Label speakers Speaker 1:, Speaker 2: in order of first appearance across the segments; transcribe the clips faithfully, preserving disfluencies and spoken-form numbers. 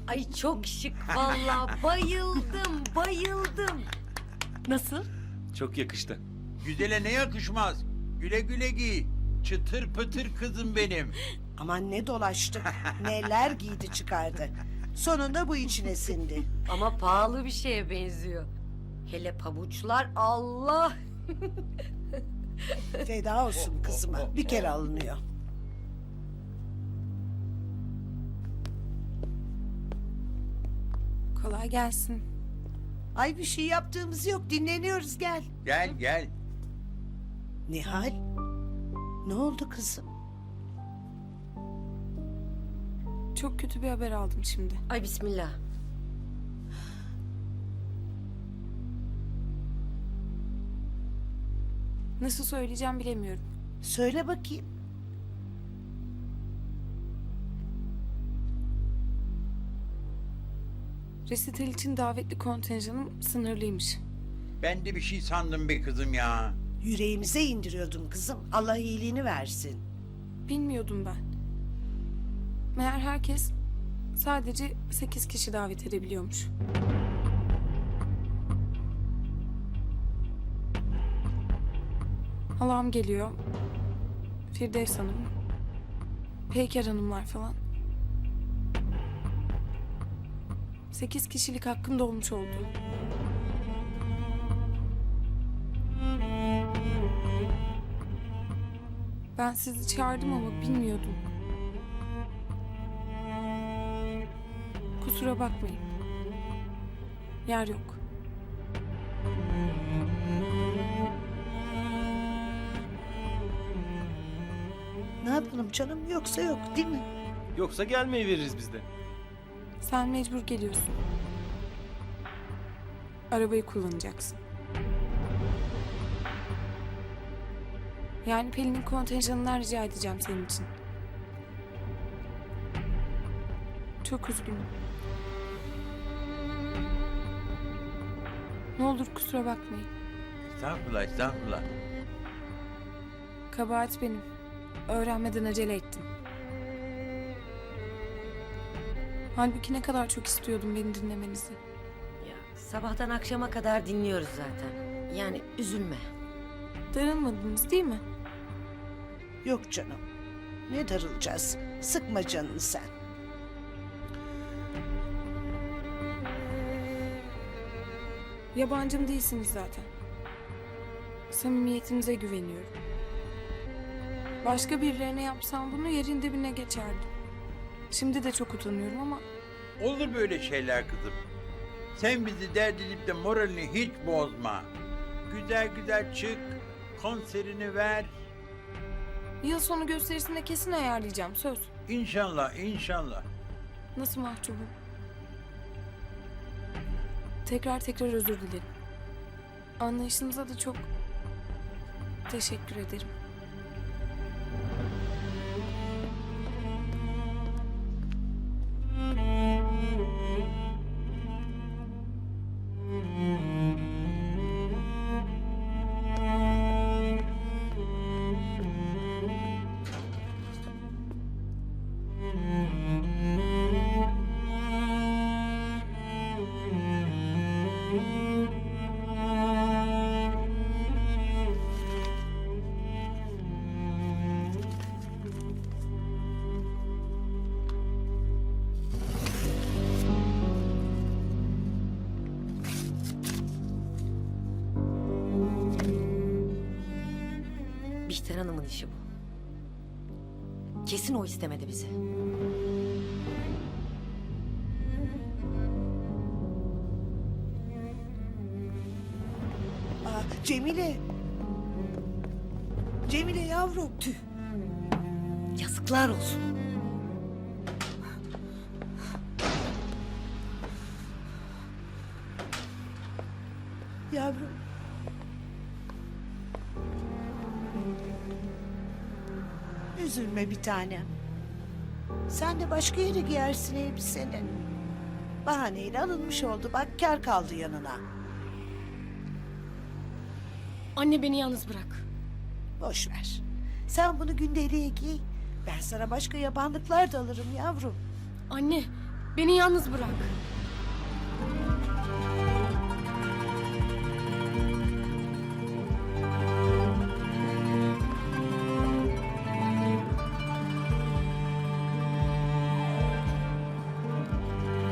Speaker 1: Ay çok şık vallahi bayıldım bayıldım. Nasıl?
Speaker 2: Çok yakıştı.
Speaker 3: Güzele ne yakışmaz? Güle güle giy. Çıtır pıtır kızım benim.
Speaker 4: Aman ne dolaştık. Neler giydi çıkardı. Sonunda bu içine sindi.
Speaker 1: Ama pahalı bir şeye benziyor. Hele pabuçlar Allah.
Speaker 4: Feda olsun kızıma. Bir kere alınıyor.
Speaker 5: Kolay gelsin.
Speaker 4: Ay bir şey yaptığımız yok. Dinleniyoruz gel.
Speaker 3: Gel gel.
Speaker 4: Nihal. Ne oldu kızım?
Speaker 5: Çok kötü bir haber aldım şimdi.
Speaker 1: Ay bismillah.
Speaker 5: Nasıl söyleyeceğim bilemiyorum.
Speaker 4: Söyle bakayım.
Speaker 5: Resital için davetli kontenjanım sınırlıymış.
Speaker 3: Ben de bir şey sandım be kızım ya.
Speaker 4: Yüreğimize indiriyordun kızım. Allah iyiliğini versin.
Speaker 5: Bilmiyordum ben. Meğer herkes sadece sekiz kişi davet edebiliyormuş. Halam geliyor. Firdevs Hanım. Peyker Hanımlar falan. Sekiz kişilik hakkım dolmuş oldu. Ben sizi çağırdım ama bilmiyordum. Kusura bakmayın. Yer yok.
Speaker 4: Ne yapalım canım yoksa yok değil mi?
Speaker 2: Yoksa gelmeyi veririz biz de.
Speaker 5: Sen mecbur geliyorsun. Arabayı kullanacaksın. Yani Pelin'in kontenjanından rica edeceğim senin için. Çok üzgünüm. Ne olur kusura bakmayın.
Speaker 3: Estağfurullah estağfurullah.
Speaker 5: Kabahat benim. Öğrenmeden acele ettim. Halbuki ne kadar çok istiyordum beni dinlemenizi.
Speaker 1: Ya, sabahtan akşama kadar dinliyoruz zaten. Yani üzülme.
Speaker 5: Darılmadınız değil mi?
Speaker 4: Yok canım. Ne darılacağız? Sıkma canını sen.
Speaker 5: Yabancım değilsiniz zaten. Samimiyetinize güveniyorum. Başka birilerine yapsam bunu yerin dibine geçerdim. Şimdi de çok utanıyorum ama
Speaker 3: Olur böyle şeyler kızım. Sen bizi dert edip de moralini hiç bozma. Güzel güzel çık. Konserini ver.
Speaker 5: yıl sonu gösterisinde kesin ayarlayacağım söz.
Speaker 3: İnşallah inşallah.
Speaker 5: Nasıl mahcubum? Tekrar tekrar özür dilerim. Anlayışınıza da çok teşekkür ederim.
Speaker 1: Bihter Hanım'ın işi bu. Kesin o istemedi bizi.
Speaker 4: Aa, Cemile. Cemile yavrum. Tüh.
Speaker 1: Yazıklar olsun.
Speaker 4: Yavrum. Üzülme bir tanem. Sen de başka yere giyersin elbiseni. Bahaneyle alınmış oldu. Bak kar kaldı yanına.
Speaker 6: Anne beni yalnız bırak.
Speaker 4: Boş ver. Sen bunu gündeliğe giy. Ben sana başka yabanlıklar da alırım yavrum.
Speaker 6: Anne Beni yalnız bırak.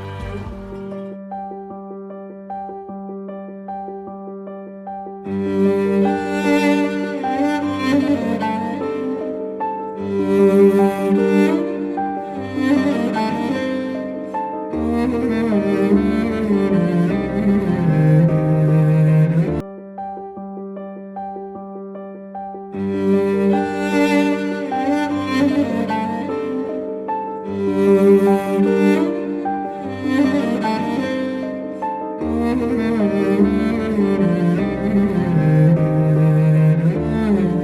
Speaker 7: Müzik